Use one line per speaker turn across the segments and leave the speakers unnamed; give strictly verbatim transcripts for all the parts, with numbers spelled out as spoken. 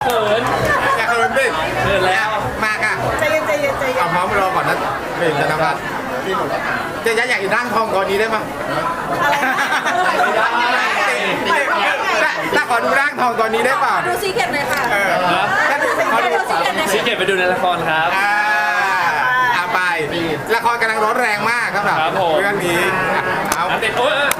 เขิน
อยากเขินดิ
เขินแล้ว
มากอ่ะ
ใจเย็นใจเย็นใจเย็
เอา
น
พร้อมรอก่อนนะเป็นธนพัฒน์เจะอยากอยู่ร่างทองก่อนนี้ได้ไหม
อะไรนะ
ถ้าขอดูร่างทองก่อนนี้ได้เปล่า
ดูซีเค็ดหน่อยค่ะ
เออถ้าดูขอดู
ดูซีเค็ดหน่อย
ซีเกตไปดูในละครครับ
อ่าเอาไปละครกำลังร้อนแรงมากครับ
ครับผม
เรื่องนี้เอา
อ่ะติดโอ้ยอ่ะ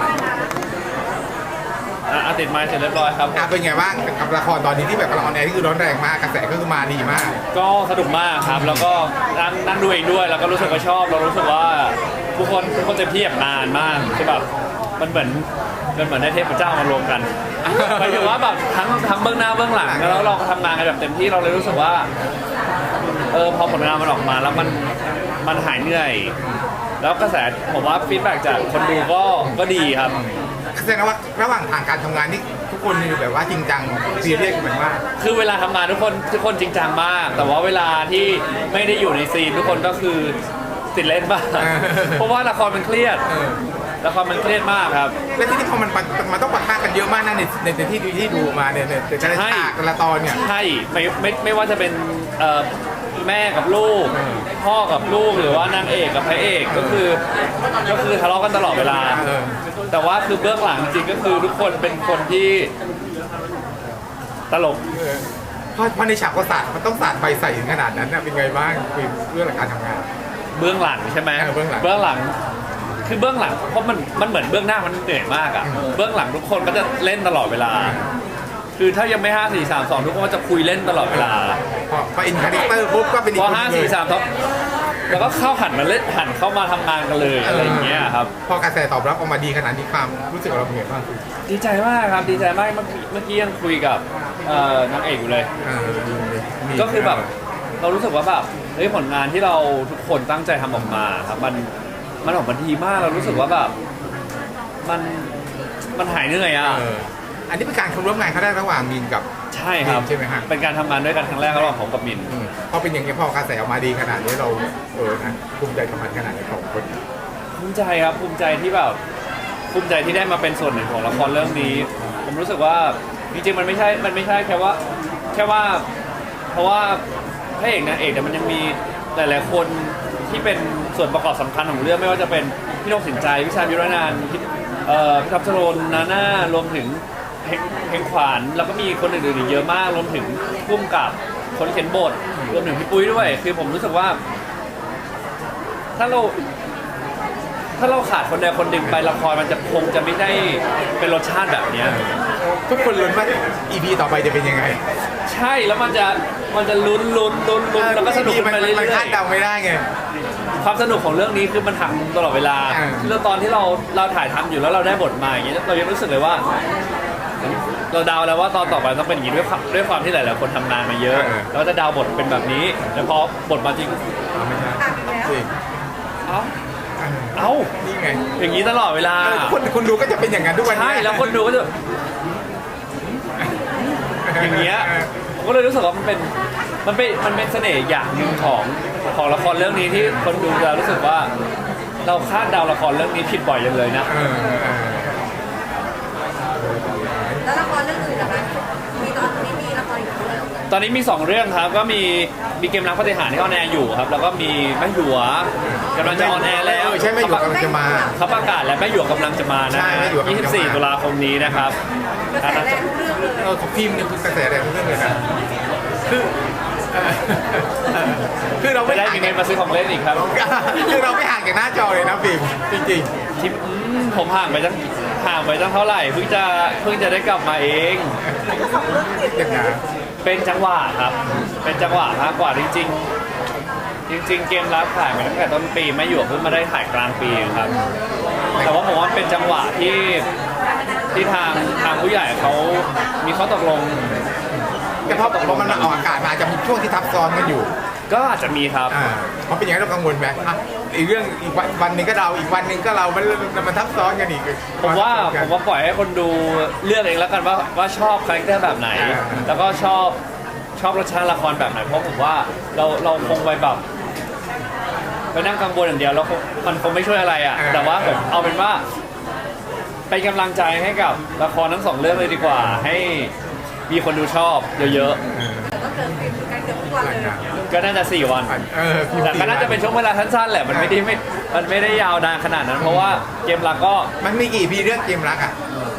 อ่ะติดไม้เสร็จเรียบร้อยครับ
อ่ะเป็นไงบ้างกับละครตอนนี้ที่แบบกำลังออนแอร์ที่คือร้อนแรงมากกระแสก็คือมาดีมาก
ก็สนุกมากครับ แล้วก็นั่งนั่งดูเองด้วย แล้วก็รู้สึกว่าชอบ เรารู้สึกว่าทุกคนทุกคนเต็มที่แบบนานมากคือแบบมันเหมือนมันเหมือนได้เทพเจ้ามารวมกันหมายถึงว่าแบบทั้งทั้งเบื้องหน้าเบื้องหลังแล้วเราก็ทำงานกันแบบเต็มที่เราเลยรู้สึกว่าเออพอผลงานมันออกมาแล้วมันมันหายเหนื่อย แล้วกระแสผมว่าฟีดแบ็กจากคนดูก็ก็ดีครับ
แสดงว่าระหว่างทางการทำงานนี่ทุกคนมีแบบว่าจริงจังซีเรียสกันมาก
คือเวลาทำงานทุกคนทุกคนจริงจังมาก แต่ว่าเวลาที่ไม่ได้อยู่ในซีนทุกคนก็คือติดเล่นบ้างเพราะว่าละครมันเครียด
เออ
ละครมันเครียดมากครับ
และที่นี่พอมันมันมันต้องปะทะกันเยอะมากนะในในในที่ดูที่ดูมาเนี่ยในแต่ละ
ใช่
ฉากแต่ละตอนเนี่ย
ใช่ไม่ไม่ไม่ว่าจะเป็นเอ่อแม่กับลูก พ่อกับลูกหรือว่านางเอกกับพระเอกก็คือก็คือทะเลาะกันตลอดเวลา
เออ
แต่ว่าคือเบื้องหลังจริงก็คือทุกคนเป็นคนที่ตลก
เออเพราะเพราะในฉากก็สาดมันต้องสาดไฟใส่ถึงขนาดนั้นนะเป็นไงบ้างคือเรื่องการทำงาน
เบื้องหลังใช่ไหม
เออเบื้องหลัง
เบื้องหลังคือเบื้องหลังเพราะมันมันเหมือนเบื้องหน้ามันเหนื่อยมากอ่ะเบื้องหลังทุกคนก็จะเล่นตลอดเวลา คือถ้ายังไม่ห้าสี่สามสองทุกคนก็จะคุยเล่นตลอดเวลา
พอพออินคาแรคเตอร์ปุ๊บก็เป็นอี
พ
ก
อ
คน
ห้า
เล
สี่
ย
สามท็อปแล้วก็เข้าหันมาเล่นหันเข้ามาทำงานกันเลยอะไรอย่างเงี้ยครับ
พอกระแสตอบรับออกมาดีขนาดนี้ความรู้สึกเราเป็นไงบ้าง
ดีใจมากครับดีใจมากเมื่อกี้เมื่อกี้ยังคุยกับเอ่อนางเอกอยู่เลย
เออมี
ก็คือแบบเรารู้สึกว่าแบบเฮ้ยผลงานที่เราทุกคนตั้งใจทำออกมาครับมันมันออกมาดีมากเรารู้สึกว่าแบบมันมันหายเหนื่อยอ่ะ
เอออันนี้เป็นการร่วมงานครั้งแรกระหว่างมีนกับ
ใช่ครับ
ใช่ไหมฮะ
เป็นการทำงานด้วยกันครั้งแรกระหว่างผมกับมิน
อืมพอเป็นอย่างนี้พอกระแสออกมาดีขนาดนี้เราเออนะภูมิใจกับมันขนาดไหนของคน
ภูมิใจครับภูมิใจที่แบบภูมิใจที่ได้มาเป็นส่วนหนึ่งของละครเรื่องนี้ ผมรู้สึกว่าจริงๆมันไม่ใช่มันไม่ใช่แค่ว่าแค่ว่าเพราะว่าพระเอกนางเอกแต่มันยังมีหลายๆคนที่เป็นส่วนประกอบสำคัญของเรื่องไม่ว่าจะเป็นพี่นกสินใจพี่ชายวิรนานท์พี่เอ่อพี่ทัพชโรนนาน่ารวมถึงเพลงเพลงขวานแล้วก็มีคนอื่นๆอีกเยอะมากรวมถึงพุ่มกับคนเขียนบทรวมถึงพี่ปุ้ยด้วยคือผมรู้สึกว่า ถ้าเรา ถ้าเราขาดคนใดคนหนึ่งไปละครมันจะคงจะไม่ได้เป็นรสชาติแบบเนี้ย
ทุกคนลุ้นว่า อี พี ต่อไปจะเป็นยังไง
ใช่แล้วมันจะมันจะลุ้นลุ้นลุ้นลุ้นแล้วก็สนุก
มั
ไปเรื่
มัน
อ
คาย ดเดาไม่ได้ไง
ๆความสนุกของเรื่องนี้คือมันหักมุมตลอดเวลา
อ่า
แล้วตอนที่เราเราถ่ายทำอยู่แล้วเราได้บทมาอย่างเงี้ยเรายังรู้สึกเลยว่า เราเดาแล้วว่าตอนต่อไปต้องเป็นอย่างนี้ด้วยความด้วยความที่หลายๆคนทำงานมาเยอะเราจะเดาบทเป็นแบบนี้แต่พอบทมาจริง
เอาไม่ใช่
อ่ะแล้ว
จริง
เอ้าเอ้า
นี่ไง
อย่างนี้ตลอดเวลา
เออคนคนดูก็จะเป็นอย่างนั้นทุกวันนี้
ใช่แล้วคนดูก็จะ อย่างเงี้ยผมก็เลยรู้สึกว่ามันเป็นมันเป็นมันเป็นเสน่ห์อย่างหนึ่งของของละครเรื่องนี้ที่คนดูจะรู้สึกว่า เราคาดเดาละครเรื่องนี้ผิดบ่อยจังเลยนะ
เออเออ
แล้วละครเรื่องอื่นล่ะคะมีตอนนี้มีละครอีกเรื่อง
ตอนนี้มีสองเรื่องครับก็มีมีเกมรักปฏิหารย์ที่ออนแอร์อยู่ครับ แล้วก็มีแม่หยวกำลังจะออนแอร์แล้ว
เออใช่ไม่อยู่กำลังจะมา
เขาประกาศแล้วแม่หยวกกำลังจะมานะ
ใช่แม่หยวกกำลังจะมา
ยี่สิบสี่ตุลาคมนี้นะครับ
กระแสแรงทุกเรื่องเลย
เออของพิมพ์เนี่ยคือกระแสแรงทุกเรื่องเลยนะคือเออเออคือเรา
ไม่
ไม่
ได้
ห่าง
มีเงินมาซื้อของเล่นอีกครับ
คือเราไม่ห่างจากหน้าจอเลยนะพิมพ์จริง
ที่อืมผมห่างไปตั้งห่างไปตั้งเท่าไหร่เพิ่งจะเพิ่งจะได้กลับมาเอง
ก็สองเรื่องติด
ๆอย่างนั้น
เป็นจังหวะครับ เป็นจังหวะมากกว่าจริงๆ จริง ๆ เกมรับถ่ายมาตั้งแต่ต้นปีไม่อยู่เพิ่งมาได้ถ่ายกลางปีเองครับ แต่ว่าผมว่าเป็นจังหวะที่ที่ทางทางผู้ใหญ่เขามีข้อตกลง
แต่พอพอมันมาออกอากาศมาอาจจะมีช่วงที่ทับซ้อนกันอยู่
ก็อาจจะมีครับ
อ่าเพราะเป็นอย่างนั้นเรากังวลไหมอ่ะอีกเรื่องอีกวันวันหนึงก็เราอีกวันหนึงก็เรา มันมันทับซ้อนกันอีก
ผมว่าผมว่าปล่อยให้คนดูเลือกเองแล้วกันว่าว่าชอบคาแรคเตอร์แบบไหน แล้วก็ชอบชอบรสชาติละครแบบไหนเพราะผมว่าเราเราคงไปแบบไปนั่งกังวลอย่างเดียวแล้วคงมันคงไม่ช่วยอะไรอ่ะแต่ว่าผมเอาเป็นว่าเป็นกำลังใจให้กับละครทั้งสองเรื่องเลยดีกว่า ให้มีคนดูชอบเยอะ
เออ
ก็เกิดฟิล์มกันเกือบทุกวันเลย
ก็น่าจะสี่วัน
เออคิว
แต่ก็น่าจะเป็นช่วงเวลาสั้นๆแหละมันไม่ได้ไม่มันไม่ได้ยาวนานขนาดนั้น เพราะว่าเกมหลักก็
มันมีกี่พีเรื่องเกมรักอ่ะ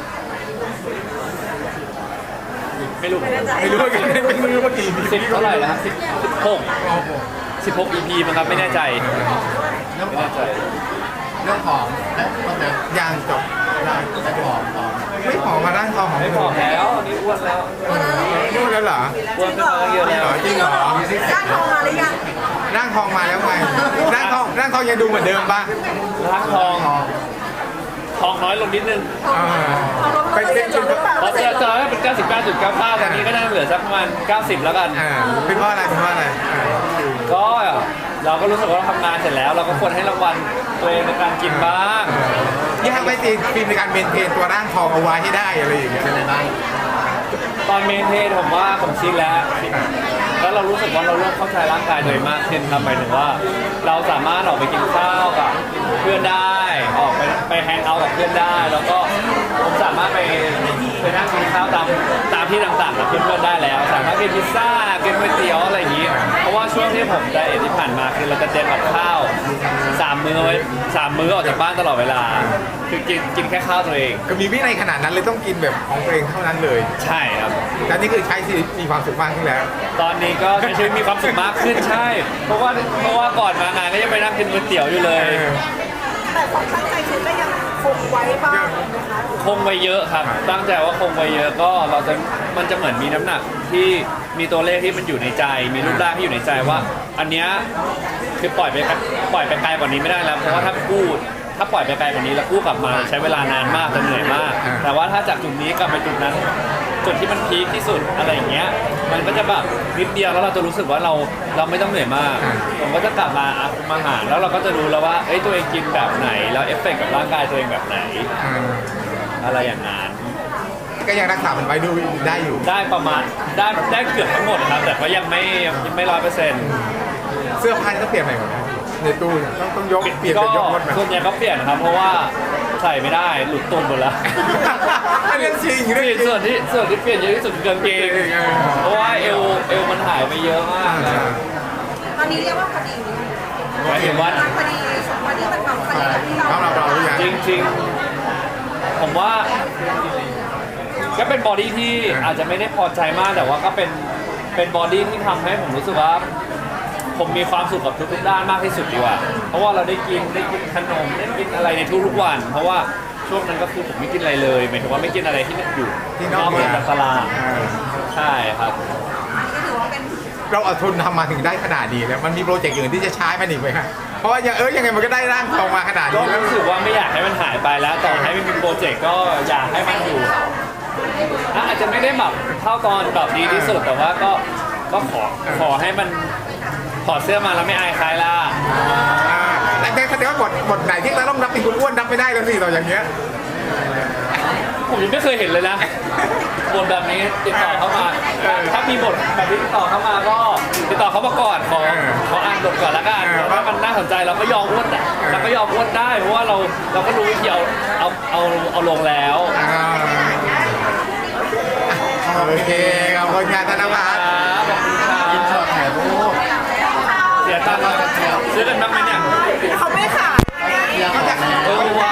ไม่รู้
ไม่แน่ใจ
ไม่รู้ว่ากี่ไม่รู้ว่ากี่พี
สิบเท่าไหร่แล้วสิบหกสิบหก อี พี มั้งครับไม่แน่ใจ
เรื่อง
ไม่
ของ
แน่ใจ
เรื่องของและก็จะ
ยังจบ
ร่างและผอมผอม
ไม่ผอมมาร่างทองของ
ไม่ผอมแล้วอันนี่อ้วนแล้ว
พูดแล้วเหรอ
อ้วนขึ้นมาเยอะแล้ว
จริงเหรอ
ร่างทองมาหรือยัง
ร่างทองมาแล้วไงร่างทองร่างทองยังดูเหมือนเดิมป่ะ
ร่างทองทองน้อยลงนิดนึง
เออเป็นเป็นเป็น
เพราะจะจะให้เป็น เก้าสิบเก้าจุดเก้าเก้า ตอนนี้ก็น่าจะเหลือสักประมาณเก้าสิบแล้วกัน
อ่าเป็นเพราะอะไรเป็นเพราะอะไรอ่า
ก็เราก็รู้สึกว่าเราทำงานเสร็จแล้ว เราก็ควรให้รางวัลตัวเองในการกินบ้าง
นี่ทำให้ตีฟิล์มในการเมนเทนตัวร่างทองเอาไว้ให้ได้อะไรอย่างเงี้ย
เป็นอะไรบ้าง
ตอนเมนเทนผมว่าผมชินแล้ว แล้วเรารู้สึกว่าเราเริ่มเข้าใจร่างกายตัวเองมากขึ้นครับหมายถึงว่า เราสามารถออกไปกินข้าวกับเพื่อนได้ ออกไปไปแฮงเอาท์กับเพื่อนได้ แล้วก็ผมสามารถไปไปนั่งกินข้าวตามตามที่ต่างๆกับเพื่อนๆได้แล้ว สามารถกินพิซซ่ากินก๋วยเตี๋ยวอะไรอย่างนี้ เพราะว่าช่วงที่ผมไดเอทที่ผ่านมาคือเราจะเตรียมกับข้าวสามมื้อไว้สามมื้อออกจากบ้านตลอดเวลา คือกินกินแค่ข้าวตัวเอง
ก็มีวินัยขนาดนั้นเลยต้องกินแบบของตัวเองเท่านั้นเลย
ใช่ครับ
แต่นี่คือใช้ชีวิตมีความสุขมากขึ้นแล้ว
ตอนนี้ก็ใช้ชีวิตมีความสุขมากขึ้นใช่ เพราะว่าเพราะว่าก่อนมางานก็ยังไปนั่งกินก๋วยเตี๋ยวอยู่เลย
แต่ความตั้งใจคือก็ยังคงไว้บ้างนะคะ
คงไว้เยอะครับ ตั้งใจว่าคงไว้เยอะก็เราจะมันจะเหมือนมีน้ำหนักที่มีตัวเลขที่มันอยู่ในใจ มีรูปร่างที่อยู่ในใจว่า อันเนี้ยคือปล่อยไปปล่อยไปไกลกว่านี้ไม่ได้แล้ว เพราะว่าถ้ากู้ถ้าปล่อยไปไกลกว่านี้แล้วกู้กลับมาใช้เวลานานมากจะเหนื่อยมาก แต่ว่าถ้าจากจุดนี้กลับไปจุดนั้น จุดที่มันพีคที่สุดอะไรอย่างเงี้ย มันก็จะแบบนิดเดียวแล้วเราจะรู้สึกว่าเราเราไม่ต้องเหนื่อยมาก ผมก็จะกลับมาอ่ะคุมอาหารแล้วเราก็จะรู้แล้วว่าเอ้ยตัวเองกินแบบไหน แล้วเอฟเฟกต์กับร่างกายตัวเองแบบไหน
อ่า
อะไรอย่างนั้น
ก็ยังรักษามันไว้ดูได้อยู่
ได้ประมาณได้ได้เกือบทั้งหมดครับ แต่ก็ยังไม่ยังไม่ร้อยเปอร์เซ็นต์
เสื้อผ้าก็เปลี่ยนใหม่หมดนะในตู้เนี่ยต้องต้องยกเปลี่ยน
ก็
เป็นยกรถมา
ส่วนใหญ่ก็เปลี่ยนครับ เพราะว่าใส่ไม่ได้หลุดตุนหมดแล้ว
เรื่องจริง
เป
เรื่
ลี่
อย งจริง
นส่วนที่ส่วนที่เปลี่ยนเยอะที่สุดคือกางเกง
เออ
เพราะว่าเอวเอวมันหายไปเยอะมากแล้ว
ตอนนี้เรียกว่าพอดี
หมายถึงว่า
พอดีพอดีมันแบบพอดีกับที่เรา
เราเราเราหรือยัง
จริงๆ ผมว่าก็เป็นบอดี้ที่อาจจะไม่ได้พอใจมากแต่ว่าก็เป็นเป็นบอดี้ที่ทำให้ผมรู้สึกว่า ผมมีความสุขกับทุกๆด้านมากที่สุดดีกว่า เพราะว่าเราได้กินได้กินขนมได้กินอะไรในทุกๆวัน เพราะว่าช่วงนั้นก็คือผมไม่กินอะไรเลยหมายถึงว่าไม่กินอะไรที่อยู่
ที่น
น
อ
อก ก
เมื
เหนื
อ
อง จากตลาด
อ่า
ใช่ครับ
ก็ถือว่าเป็น
เราอดทนทำมาถึงได้ขนาดนี้แล้วมันมีโปรเจกต์อื่นที่จะใช้มันอีกไหมครับเพราะว่ายังเออยังไงมันก็ได้ร่างทองมาขนาด
ก็
นี้แล้ว
รู้สึกว่าไม่อยากให้มันหายไปแล้ว ต่อให้ไม่มีโปรเจกต์ก็อยากให้มันอยู่อ่ะอาจจะไม่ได้แบบเท่าตอนแบบดีที่สุดแต่ว่าก็ก็ขอขอให้มันถอดเสื้อมาแล้วไม่อายใครล่ะ
อ่าแต่แต่แสดงว่าบทบทไหนที่เราต้องรับเป็นคุณอ้วนรับไม่ได้แล้วสิต่ออย่างเงี้ย
ผมยังไม่เคยเห็นเลยนะบทแบบนี้ติดต่อเข้ามา
เออ
ถ้ามีบทแบบนี้ติดต่อเข้ามาก็ติดต่อเข้ามาก่อนขอ
เออ
ขออ่านบทก่อนละกัน
เออ
ถ้ามันน่าสนใจเราก็ยอมอ้วนอ่ะ
เออ
เราก็ยอมอ้วนได้เพราะว่าเราเราก็รู้วิธีเอาเอาเอาเอาลงแล้ว
อ่าโอเคขอบคุณงานธนวัฒน์
ขอบคุณครับ
อินช็อตถ่ายรูป
เสียตังค์ซื้อกันบ้างไหมเนี่ย
เขาไม่ขาย
อยากออกแน
เอ
ว
อว่า